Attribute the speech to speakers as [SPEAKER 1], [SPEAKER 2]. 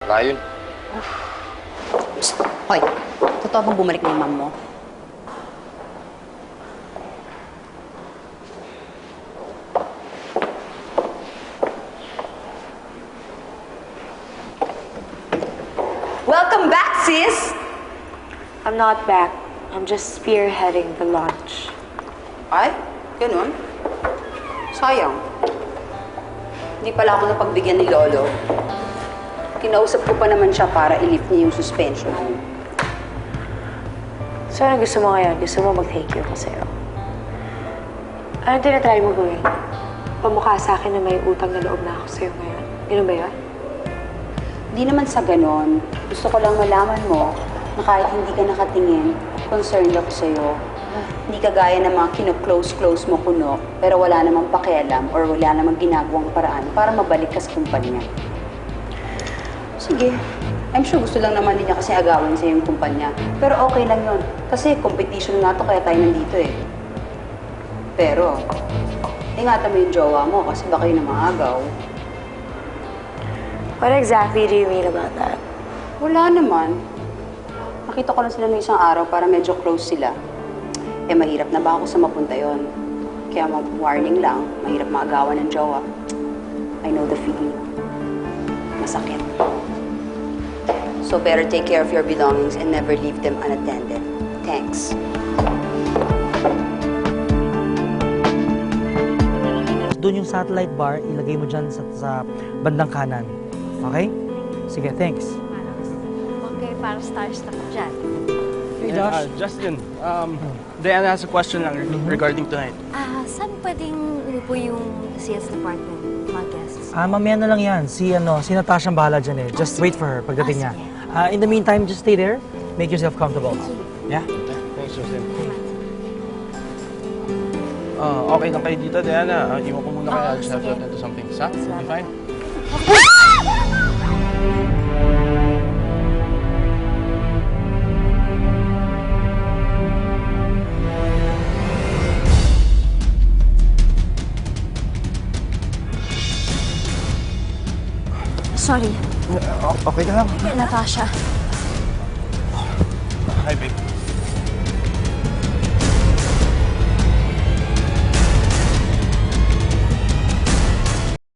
[SPEAKER 1] nga yun.
[SPEAKER 2] Psst! Hoy, totoo bang bumalik na yung mom mo? Welcome back, sis!
[SPEAKER 3] I'm not back. I'm just spearheading the launch.
[SPEAKER 2] Ay, ganun? Sayang. Hindi pala ako napagbigyan ni Lolo. Kinausap ko pa naman siya para i-lift niya yung suspension.
[SPEAKER 3] So, ano gusto mo ngayon? Gusto mo mag-thank you ko sa'yo? Ano tinatry mo gawin? Pamukha sa akin na may utang na loob na ako sa'yo ngayon. Ganun ba yun?
[SPEAKER 2] Hindi naman sa ganon. Gusto ko lang malaman mo na kahit hindi ka nakatingin, concerned ako sa'yo. Hindi ka gaya ng mga kino-close mo kuno, pero wala namang pakialam or wala namang ginagawang paraan para mabalik ka sa kumpanya. Sige. I'm sure gusto lang naman din niya kasi agawin sa yung kumpanya. Pero okay lang yun. Kasi competition nga to kaya tayo nandito eh. Pero, ingatan mo yung jowa mo kasi baka yun ang maagaw.
[SPEAKER 3] What exactly do you mean about that?
[SPEAKER 2] Wala naman. Nakita ko lang sila ng isang araw para medyo close sila. Eh, mahirap na ba ako sa mapunta yon? Kaya warning lang, mahirap maagawan ng jowa. I know the feeling. Masakit. So better take care of your belongings and never leave them unattended. Thanks.
[SPEAKER 4] Doon yung satellite bar, ilagay mo dyan sa bandang kanan. Okay? Sige, thanks.
[SPEAKER 5] Okay, para stars na ko dyan.
[SPEAKER 4] Hey, Josh.
[SPEAKER 1] Justin, Diana has a question lang regarding tonight.
[SPEAKER 5] Saan pwedeng po yung sales department, mga guests?
[SPEAKER 4] Mamaya na lang yan. Si Natasha ang bahala dyan eh. Just wait for her pagdating niya. In the meantime, just stay there. Make yourself comfortable. Yeah?
[SPEAKER 1] Thanks, Justin. Okay lang kayo dito, Diana. Iwan ko muna kayo. I'll just have to attend to something. Sa? You'll be fine?
[SPEAKER 5] Sorry,
[SPEAKER 1] Okay ka lang.
[SPEAKER 5] Natasha.
[SPEAKER 1] Hi, babe.